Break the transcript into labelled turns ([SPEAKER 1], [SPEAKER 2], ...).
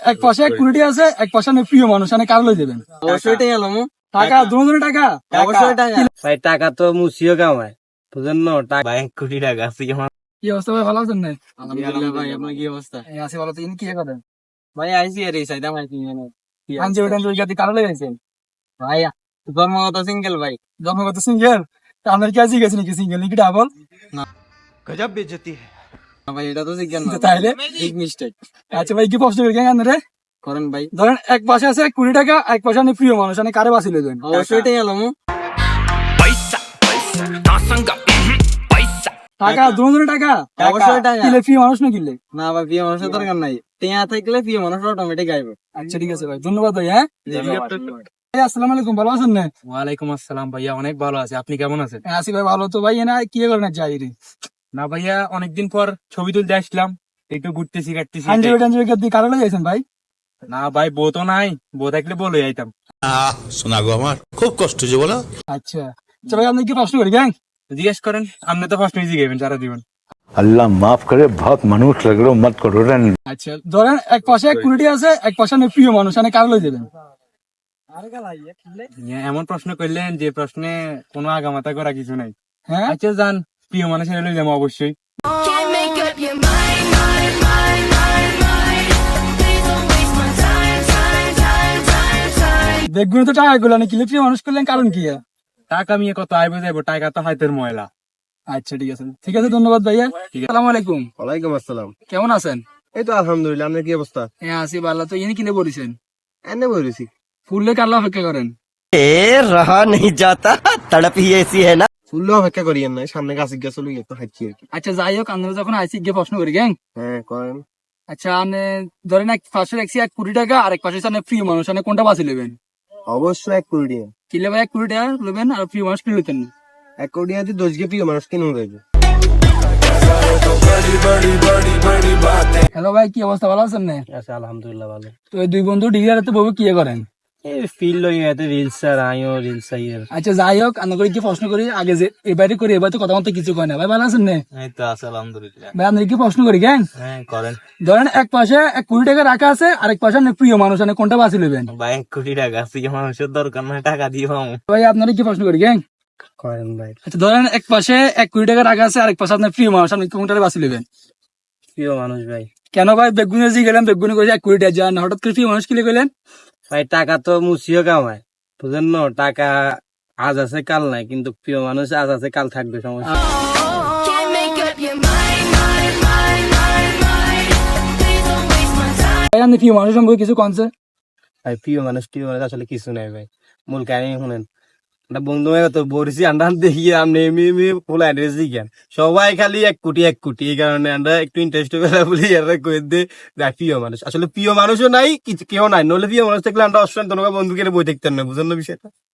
[SPEAKER 1] এক পাশে এক কোটি আছে, এক পাশে আপনি প্রিয় মানুষ মানে কার লই দেবেন?
[SPEAKER 2] অবশ্যই টাকা লমু।
[SPEAKER 1] টাকা দুজনের টাকা।
[SPEAKER 2] অবশ্যই টাকা।
[SPEAKER 3] ভাই টাকা তো মুছিও কামায়, বুঝেন না? টাকা 1 কোটি টাকা আছে আমার।
[SPEAKER 1] কি অবস্থা ভাই, ভালো আছেন না?
[SPEAKER 2] আলহামদুলিল্লাহ ভাই, আপনার কি অবস্থা?
[SPEAKER 1] এই আছি ভালো। তো ইনি কি করেন?
[SPEAKER 2] ভাই আইসি আর এই সাইড আমার কি জানো?
[SPEAKER 1] আনজি ওটা ওই জাতি কার লই আছেন?
[SPEAKER 2] ভাই জন্মগত সিঙ্গেল ভাই।
[SPEAKER 1] জন্মগত সিঙ্গেল। আপনার কি আজই গেছেন নাকি সিঙ্গেল নাকি ডাবল?
[SPEAKER 4] गजब बेइज्जती है।
[SPEAKER 2] না ভাই এটা তো সিঙ্গেল না,
[SPEAKER 1] তাইলে
[SPEAKER 2] বিগ মিস্টেক।
[SPEAKER 1] আচ্ছা ভাই, কি প্রশ্ন করি কেন রে?
[SPEAKER 2] করেন ভাই।
[SPEAKER 1] ধরেন এক পাশে আছে 1 কোটি টাকা, এক পাশে আপনি প্রিয় মানুষ মানে কারে বাঁচি লইবেন?
[SPEAKER 2] অবশ্যই টাকা লমু।
[SPEAKER 1] টাকা দুজনের টাকা।
[SPEAKER 2] অবশ্যই টাকা।
[SPEAKER 1] কিলে প্রিয় মানুষ না কিলে?
[SPEAKER 2] না ভাই, প্রিয় মানুষের দরকার নাই। টেয়া থাকলে প্রিয় মানুষ অটোমেটিক আইবে।
[SPEAKER 1] আচ্ছা ঠিক আছে ভাই, ধন্যবাদ ভাই। হ্যাঁ ভাই, আসসালামু আলাইকুম, ভালো আছেন না?
[SPEAKER 3] ওয়ালাইকুম আসসালাম ভাইয়া, অনেক ভালো আছে। আপনি কেমন আছেন?
[SPEAKER 1] হ্যাঁ, আছি ভাই ভালো। তো ভাই এনা কি করেন যাই রে?
[SPEAKER 3] না ভাইয়া, অনেকদিন পর ছবি তুলতে আসলাম, একটু ঘুরতেছি কাটতেছি।
[SPEAKER 1] আনজি ওটা কি কারে লই আছেন ভাই?
[SPEAKER 3] না ভাই, বউ তো নাই, বউ থাকলে বলে যাইতাম।
[SPEAKER 4] শোনা গো আমার খুব কষ্ট যে বলো।
[SPEAKER 1] আচ্ছা আচ্ছা ভাই, আপনি কি প্রশ্ন করি গ্যাং?
[SPEAKER 3] জিজ্ঞেস করেন, আপনি তো ফার্স্ট মিউজিক গাইবেন সারা জীবন।
[SPEAKER 5] अल्लाह माफ करे बहुत मनुष्य लग रहे हो मत करो रन
[SPEAKER 1] আচ্ছা ধরেন এক পাশে 1 কোটি আছে, এক পাশে আপনি প্রিয় মানুষ মানে কারে লই দেবেন?
[SPEAKER 3] এমন প্রশ্ন করলেন যে প্রশ্নে কোনো আগামাতা করা কিছু নাই।
[SPEAKER 1] হ্যাঁ
[SPEAKER 3] আচ্ছা যান, প্রিয় মানুষের লই যাবো অবশ্যই।
[SPEAKER 6] Can't make up your mind, mind, mind, mind, mind. Please don't waste my time, time, time, time, time.
[SPEAKER 1] দেখবেন তো টাকা গুলো কিলে প্রিয় মানুষ করলেন কারণ কি?
[SPEAKER 3] টাকা মিয়ে কত আইবে যাবো, টাকা তো হাতের ময়লা।
[SPEAKER 1] আচ্ছা ঠিক আছে, ঠিক আছে, ধন্যবাদ ভাইয়া। আসসালামু আলাইকুম,
[SPEAKER 7] ওয়ালাইকুম আসসালাম।
[SPEAKER 1] কেমন আছেন?
[SPEAKER 7] এই তো আলহামদুলিল্লাহ, আপনার কি অবস্থা?
[SPEAKER 1] হ্যাঁ আছি ভালো। তো ইনি কিনে বলেছেন
[SPEAKER 7] এনে বলেছি
[SPEAKER 1] ফুললে কারলা অপেক্ষা করেন?
[SPEAKER 8] रहा नहीं जाता तड़प ही ऐसी है ना।
[SPEAKER 7] ফুললে অপেক্ষা করিয়েন না, সামনে গাছ গিয়ে চলে গিয়ে একটু হাঁটছি আর কি।
[SPEAKER 1] আচ্ছা যাই হোক, আমরা যখন আইসি গিয়ে প্রশ্ন করি গ্যাং।
[SPEAKER 7] হ্যাঁ করেন।
[SPEAKER 1] আচ্ছা আপনি ধরেন এক পাশে রাখছি 1 কোটি টাকা, আর এক পাশে আপনি প্রিয় মানুষ মানে কোনটা বাঁচি নেবেন?
[SPEAKER 7] অবশ্যই 1 কোটি টাকা।
[SPEAKER 1] কিলে ভাই 1 কোটি টাকা নেবেন আর প্রিয় মানুষ কিনে নিতেন?
[SPEAKER 7] 1 কোটি টাকা দিয়ে 10 গে প্রিয় মানুষ কিনে যাবে।
[SPEAKER 1] হ্যালো ভাই, কি অবস্থা, ভালো আছেন না?
[SPEAKER 3] আচ্ছা আলহামদুলিল্লাহ ভালো।
[SPEAKER 1] তো এই দুই বন্ধু ডিগ্রি বউ কি করেন?
[SPEAKER 3] এই ফিল লই এতে রিলস আর আইও রিলস আইয়ের।
[SPEAKER 1] আচ্ছা যাই হোক, আমরা করে কি প্রশ্ন করি আগে যে এবারে করি, এবার তো কথা মতো কিছু কয় না। ভাই ভালো আছেন না?
[SPEAKER 3] এই তো আছে আলহামদুলিল্লাহ।
[SPEAKER 1] ভাই আমরা কি প্রশ্ন করি গ্যাং?
[SPEAKER 3] হ্যাঁ করেন।
[SPEAKER 1] ধরেন এক পাশে 1 কোটি টাকা রাখা আছে, আর এক পাশে আপনি প্রিয় মানুষ মানে কোনটা বাঁচি নেবেন?
[SPEAKER 3] ভাই 1 কোটি টাকা আছে, মানুষের দরকার নাই, টাকা দিয়ে পাবো।
[SPEAKER 1] ভাই আপনারা কি প্রশ্ন করি গ্যাং?
[SPEAKER 3] করেন ভাই।
[SPEAKER 1] আচ্ছা ধরেন এক পাশে 1 কোটি টাকা রাখা আছে, আর এক পাশে আপনার প্রিয় মানুষ, আপনি কোনটা বাঁচি নেবেন?
[SPEAKER 3] প্রিয় মানুষ ভাই।
[SPEAKER 1] কেন ভাই? বেগুনে জি গেলাম, বেগুনে কইছে 1 কোটি টাকা যান, হঠাৎ করে প্রিয় মানুষ কিলে গেলেন?
[SPEAKER 3] ভাই টাকা তো মুছিও কামায়, বুঝেন না? টাকা আজ আছে কাল নাই, কিন্তু প্রিয় মানুষ আজ আছে কাল থাকবে, সমস্যা।
[SPEAKER 6] Can't make up your mind, mind, mind, mind, mind. Please don't waste my time.
[SPEAKER 1] ভাই আপনি প্রিয় মানুষ সম্পর্কে কিছু কনছে?
[SPEAKER 3] ভাই প্রিয় মানুষ আসলে কিছু নাই ভাই, মূল কাহিনী শুনেন। একটা বন্ধু তো বলছি আমরা দেখি আপনি এমনি ফুল অ্যাড্রেস দিকেন, সবাই খালি 1 কোটি 1 কোটি, এই কারণে আমরা একটু ইন্টারেস্ট পেলে বলি এরা কয়ে দে প্রিয় মানুষ। আসলে প্রিয় মানুষও নাই, কিছু কেউ নাই, নইলে প্রিয় মানুষ থাকলে আমরা অবশ্যই তোমাকে বন্ধুকে বই দেখতেন না, বুঝেন না বিষয়টা?